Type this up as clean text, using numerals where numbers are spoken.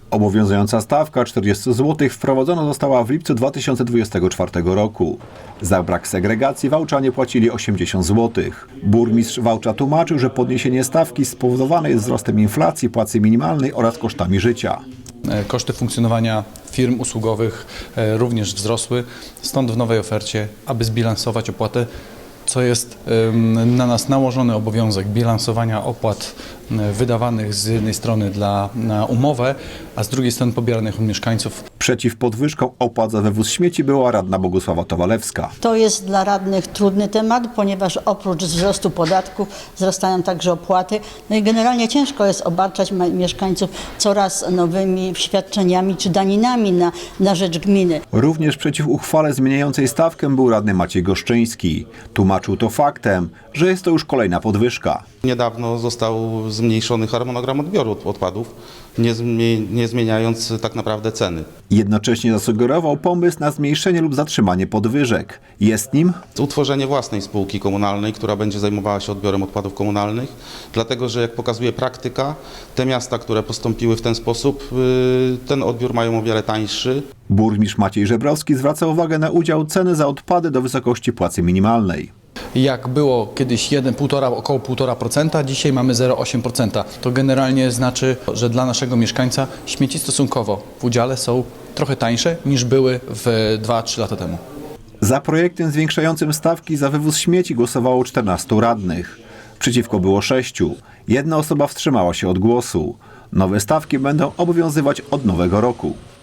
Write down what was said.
Obowiązująca stawka 40 zł wprowadzona została w lipcu 2024 roku. Za brak segregacji wałczanie płacili 80 zł. Burmistrz Wałcza tłumaczył, że podniesienie stawki spowodowane jest wzrostem inflacji, płacy minimalnej oraz kosztami życia. Koszty funkcjonowania firm usługowych również wzrosły, stąd w nowej ofercie, aby zbilansować opłatę, co jest na nas nałożony obowiązek bilansowania opłat wydawanych z jednej strony na umowę, a z drugiej strony pobieranych od mieszkańców. Przeciw podwyżkom opłat za wywóz śmieci była radna Bogusława Towalewska. To jest dla radnych trudny temat, ponieważ oprócz wzrostu podatków wzrastają także opłaty. No i generalnie ciężko jest obarczać mieszkańców coraz nowymi świadczeniami czy daninami na rzecz gminy. Również przeciw uchwale zmieniającej stawkę był radny Maciej Goszczyński. Tłumaczył to faktem, że jest to już kolejna podwyżka. Niedawno został zmniejszony harmonogram odbioru odpadów, nie zmieniając tak naprawdę ceny. Jednocześnie zasugerował pomysł na zmniejszenie lub zatrzymanie podwyżek. Jest nim Utworzenie własnej spółki komunalnej, która będzie zajmowała się odbiorem odpadów komunalnych, dlatego że jak pokazuje praktyka, te miasta, które postąpiły w ten sposób, ten odbiór mają o wiele tańszy. burmistrz Maciej Żebrowski zwraca uwagę na udział ceny za odpady do wysokości płacy minimalnej. Jak było kiedyś około 1,5%, dzisiaj mamy 0,8%. To generalnie znaczy, że dla naszego mieszkańca śmieci stosunkowo w udziale są trochę tańsze niż były w 2-3 lata temu. Za projektem zwiększającym stawki za wywóz śmieci głosowało 14 radnych. Przeciwko było 6. Jedna osoba wstrzymała się od głosu. Nowe stawki będą obowiązywać od nowego roku.